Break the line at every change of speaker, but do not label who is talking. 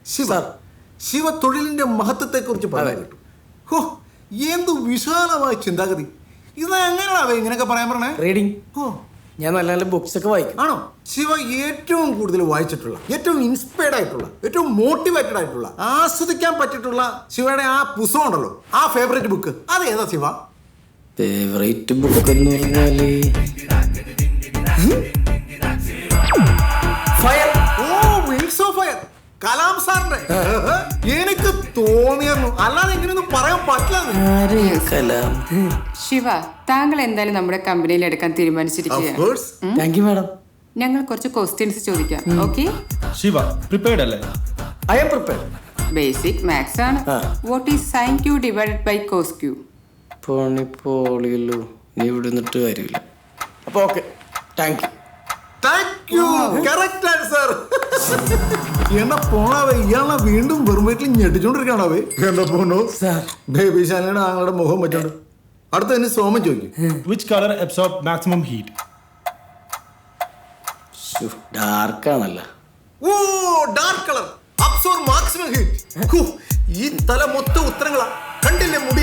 ശിവ തൊഴിലിന്റെ മഹത്വത്തെ കുറിച്ച് പറയാൻ കേട്ടു. ഹോ, എന്ത് വിശാലമായ ചിന്താഗതി. ഇത് എങ്ങനെയാണോ ഇങ്ങനെയൊക്കെ പറയാൻ പറഞ്ഞേ?
റീഡിങ്.
ഓ,
ഞാൻ നല്ല നല്ല ബുക്സ് ഒക്കെ വായിക്കും.
ആണോ? ശിവ ഏറ്റവും കൂടുതൽ വായിച്ചിട്ടുള്ള, ഏറ്റവും ഇൻസ്പയർഡ് ആയിട്ടുള്ള, ഏറ്റവും മോട്ടിവേറ്റഡ് ആയിട്ടുള്ള, ആസ്വദിക്കാൻ പറ്റിയിട്ടുള്ള ശിവയുടെ ആ പുസ്തകം ഉണ്ടല്ലോ, ആ ഫേവറേറ്റ് ബുക്ക്, അത് ഏതാ ശിവ?
ഫേവറേറ്റ് ബുക്ക് എന്ന് പറഞ്ഞാല് ഫയർ.
ഓ, വിങ്സ് ഓഫ് ഫയർ, കലാം സാറിന്റെ. എനിക്ക് തോന്നിയിരുന്നു, അല്ലാതെ എങ്ങനെയൊന്നും പറയാൻ പറ്റില്ല.
ശിവ, താങ്കൾ എന്തായാലും നമ്മുടെ കമ്പനിയിൽ എടുക്കാൻ തീരുമാനിച്ചിരിക്കുകയാണ്.
Thank you madam.
ഞങ്ങൾ കുറച്ച് ക്വസ്റ്റ്യൻസ് ചോദിക്കാം. ഓക്കെ?
ശിവ പ്രിപ്പയർഡ് അല്ലേ?
I am prepared.
Basic maths ആണ്. What is sine Q divided by cos Q?
പോളിയല്ലോ, നീ ഇവിടെ നിന്നിട്ട് കാര്യമില്ല. അപ്പൊ okay, thank you.
Thank you, correct answer. എന്നാ പോണാവേ, ഇയാളെ വീണ്ടും വെറും വീട്ടിൽ ഞെട്ടിച്ചോണ്ടിരിക്കണാവേ. എന്താ പോണു ബേബി ശാലയുടെ ആങ്ങളുടെ മുഖം പറ്റുണ്ട്. അടുത്ത തന്നെ സോമൻ ചോദിക്കും.
Which color absorb maximum heat?
ഡാർക്കാണല്ലോ.
ഓ, dark colour absorb maximum heat. ഈ തല മൊത്തം ഉത്തരങ്ങളാ. കണ്ടില്ലേ മുടി